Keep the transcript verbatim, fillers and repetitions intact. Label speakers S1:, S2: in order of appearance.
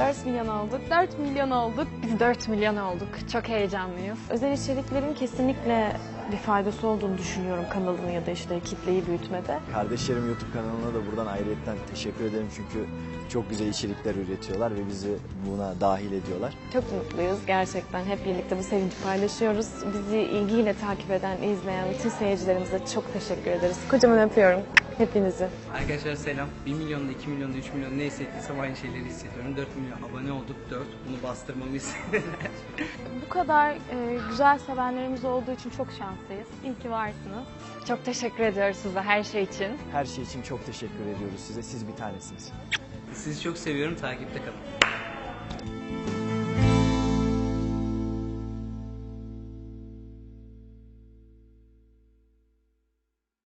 S1: dört milyon olduk. dört milyon olduk.
S2: Biz dört milyon olduk. Çok heyecanlıyız.
S1: Özel içeriklerin kesinlikle bir faydası olduğunu düşünüyorum kanalını ya da işte kitleyi büyütmede.
S3: Kardeşlerim YouTube kanalına da buradan ayrıyetten teşekkür ederim çünkü çok güzel içerikler üretiyorlar ve bizi buna dahil ediyorlar.
S1: Çok mutluyuz gerçekten. Hep birlikte bu sevinci paylaşıyoruz. Bizi ilgiyle takip eden, izleyen bütün seyircilerimize çok teşekkür ederiz. Kocaman öpüyorum hepinizi.
S4: Arkadaşlar selam. bir milyonda, iki milyonda, üç milyon ne hissettiysem aynı şeyleri hissediyorum. dört milyon abone olduk, dört. Bunu bastırmamı istediler.
S5: Bu kadar e, güzel sevenlerimiz olduğu için çok şanslıyız. İyi ki varsınız.
S2: Çok teşekkür ediyoruz size her şey için.
S3: Her şey için çok teşekkür ediyoruz size. Siz bir tanesiniz.
S4: Sizi çok seviyorum. Takipte kalın.